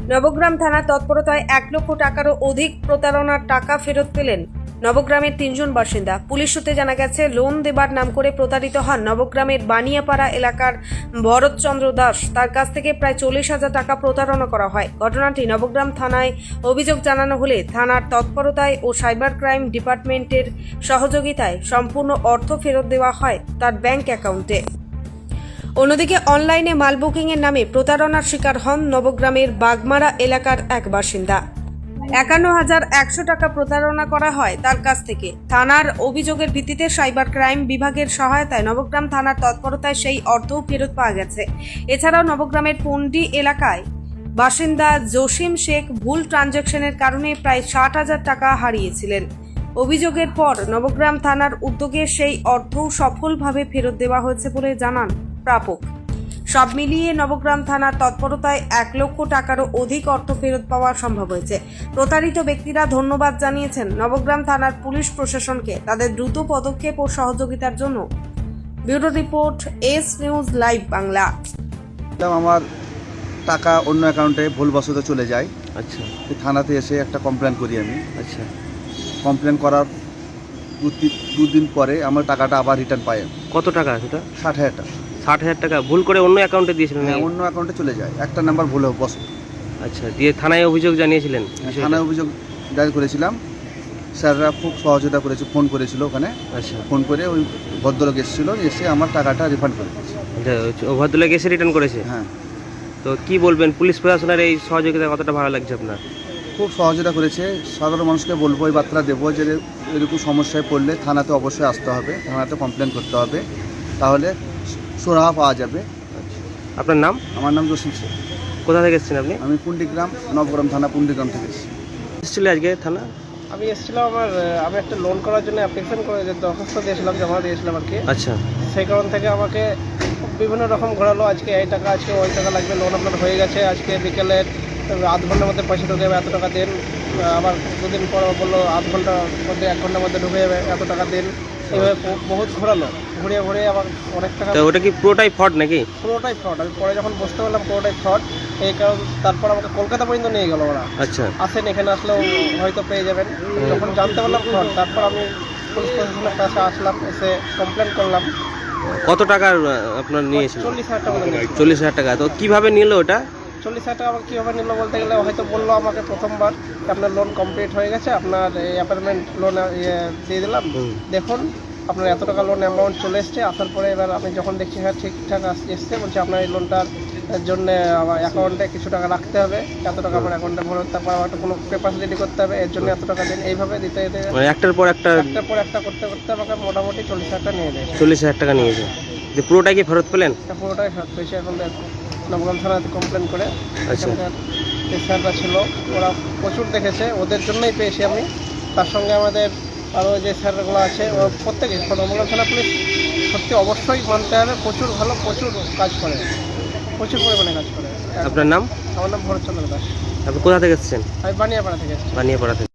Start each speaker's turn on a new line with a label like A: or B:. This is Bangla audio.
A: নবগ্রাম থানার তৎপরতায় 1 লক্ষ টাকারও অধিক প্রতারণার টাকা ফেরত পেলেন নবগ্রামের 3 জন বাসিন্দা। পুলিশ সূত্রে জানা গেছে, লোন দেবার নাম করে প্রতারিত হন নবগ্রামের বানিয়াপাড়া এলাকার ভরতচন্দ্র দাস। তার কাছ থেকে প্রায় 40,000 টাকা প্রতারণা করা হয়। ঘটনাটি নবগ্রাম থানায় অভিযোগ জানানো হলে থানার তৎপরতায় ও সাইবার ক্রাইম ডিপার্টমেন্টের সহযোগিতায় সম্পূর্ণ অর্থ ফেরত দেওয়া হয় তার ব্যাংক অ্যাকাউন্টে। অন্যদিকে অনলাইনে মাল বুকিংয়ের নামে প্রতারণার শিকার হন নবগ্রামের বাগমারা এলাকার এক বাসিন্দা। 51,100 টাকা প্রতারণা করা হয় তার কাছ থেকে। থানার অভিযোগের ভিত্তিতে সাইবার ক্রাইম বিভাগের সহায়তায় নবগ্রাম থানার তৎপরতায় সেই অর্থও ফেরত পাওয়া গেছে। এছাড়াও নবগ্রামের পন্ডি এলাকায় বাসিন্দা জসিম শেখ ভুল ট্রানজ্যাকশনের কারণে প্রায় 60,000 টাকা হারিয়েছিলেন। অভিযোগের পর নবগ্রাম থানার উদ্যোগে সেই অর্থও সফলভাবে ফেরত দেওয়া হয়েছে বলে জানান প্রাপক। সব মিলিয়ে নবগ্রাম থানার তৎপরতায় 1 লক্ষ টাকারও অধিক অর্থ ফেরত পাওয়া সম্ভব হয়েছে। প্রতারিত ব্যক্তিরা ধন্যবাদ জানিয়েছেন নবগ্রাম থানার পুলিশ প্রশাসনকে তাদের দ্রুত পদক্ষেপ ও সহযোগিতার জন্য। Bureau report, S news live Bangla.
B: আমার টাকা অন্য অ্যাকাউন্টে ভুলবশত চলে যায়।
C: আচ্ছা
B: থানাতে এসে একটা কমপ্লেন করি আমি।
C: আচ্ছা
B: কমপ্লেন করার দুদিন পরে আমার টাকাটা আবার রিটার্ন পাই।
C: কত টাকা সেটা?
B: 60,000 টাকা।
C: 60,000 টাকা ভুল করে অন্য অ্যাকাউন্টে দিয়েছিলেন?
B: হ্যাঁ, অন্য অ্যাকাউন্টে চলে যায়, একটা নাম্বার ভুলে বসে।
C: আচ্ছা, দিয়ে থানায় অভিযোগ জানিয়েছিলেন?
B: থানায় অভিযোগ দায়ের করেছিলাম। স্যাররা খুব সহযোগিতা করেছে, ফোন করেছিল ওখানে।
C: আচ্ছা,
B: ফোন করে ওই ভদ্রলোক এসেছিলো, এসে আমার টাকাটা রিফান্ড করে দিয়েছে।
C: ভদ্রলোক এসে রিটার্ন করেছে?
B: হ্যাঁ।
C: তো কি বলবেন, পুলিশ প্রশাসনের এই সহযোগিতা কতটা ভালো লাগছে আপনার?
B: খুব সহযোগিতা করেছে। সাধারণ মানুষকে বলবো, এই বার্তা দেবো যে এরকম সমস্যায় পড়লে থানাতে অবশ্যই আসতে হবে, থানাতে কমপ্লেন করতে হবে, তাহলে সুরাহা পাওয়া যাবে।
C: আপনার নাম?
B: আমার নাম জসিম শেখ।
C: কোথা থেকে এসেছেন আপনি?
B: আমি পুন্ডিগ্রাম, নবগ্রাম থানা পুন্ডিগ্রাম থেকে এসেছি।
C: এসেছিলেন আজকে থানা?
D: আমি এসেছিলাম, আমি একটা লোন করার জন্য অ্যাপ্লিকেশন করে দরখাস্ত দিয়েছিলাম, জমা দিয়েছিলাম আর কি।
C: আচ্ছা,
D: সেই কারণ থেকে আমাকে বিভিন্ন রকম ঘোরালো, আজকে এই টাকা, আজকে ওই টাকা লাগবে, লোন আপনার হয়ে গেছে, আজকে বিকেলে আধ ঘন্টার মধ্যে পয়সা ঢুকে যাবে, এত টাকা দিন। আবার দুদিন পর বললো আধ ঘন্টার মধ্যে 1 ঘন্টার মধ্যে ঢুকে যাবে, এত টাকা দিন। এইভাবে বহুত ঘোরালো, ঘুরিয়ে ঘুরিয়ে আবার অনেক টাকা।
C: তো ওটা কি পুরোটাই ফ্রড নাকি?
D: পুরোটাই ফ্রড। আমি পরে যখন বুঝতে পারলাম পুরোটাই ফ্রড, এই কারণ তারপর আমাকে কলকাতা পর্যন্ত নিয়ে গেল ওরা।
C: আচ্ছা,
D: আসেন, এখানে আসলেও হয়তো পেয়ে যাবেন। যখন জানতে পারলাম ফ্রড, তারপর আমি পুলিশ প্রশাসনের কাছে আসলাম, এসে কমপ্লেন করলাম।
C: কত টাকার আপনার নিয়েছিল?
D: 40,000 টাকা মতো নিয়েছিল।
C: 40,000 টাকা। তো কিভাবে নিল ওটা?
D: 40,000 টাকা আমাকে কীভাবে নিল বলতে গেলে, হয়তো বললো আমাকে প্রথমবার আপনার লোন কমপ্লিট হয়ে গেছে, আপনার এই অ্যাপার্টমেন্ট লোন দিয়ে দিলাম, দেখুন আপনার এত টাকা লোন অ্যামাউন্ট চলে এসছে। আসার পরে এবার আমি যখন দেখছি হ্যাঁ ঠিকঠাক এসছে, বলছে আপনার এই লোনটার জন্য আমার অ্যাকাউন্টে কিছু টাকা রাখতে হবে, এত টাকা আমার অ্যাকাউন্টে ভরে, তারপর আমার একটা কোনো পেপার রেডি করতে হবে, এর জন্য এত টাকা দিন। এইভাবে দিতে দিতে
C: একটার পর একটা
D: করতে করতে আমাকে মোটামুটি 40,000 টাকা নিয়ে দেয়।
C: 40,000 টাকা নিয়েছে। যে পুরোটাই কি ফেরত পেলেন?
D: পুরোটাই ফেরত পেয়েছি। এখন নবগ্রাম থানাতে কমপ্লেন করে।
C: আচ্ছা,
D: যে স্যাররা ছিল ওরা প্রচুর দেখেছে, ওদের জন্যই পেয়েছি আমি। তার সঙ্গে আমাদের আরও যে স্যারগুলো আছে ওরা প্রত্যেকে, নবগ্রাম থানা পুলিশ সত্যি অবশ্যই মানতে হবে, প্রচুর ভালো, প্রচুর কাজ করে, প্রচুর পরিমাণে কাজ করে।
C: আপনার নাম?
D: আমার নাম ভরতচন্দ্র দাস।
C: আপনি কোথা থেকে এসেছেন?
D: আমি বানিয়াপাড়া থেকে এসেছি।
C: বানিয়াপাড়া থেকে।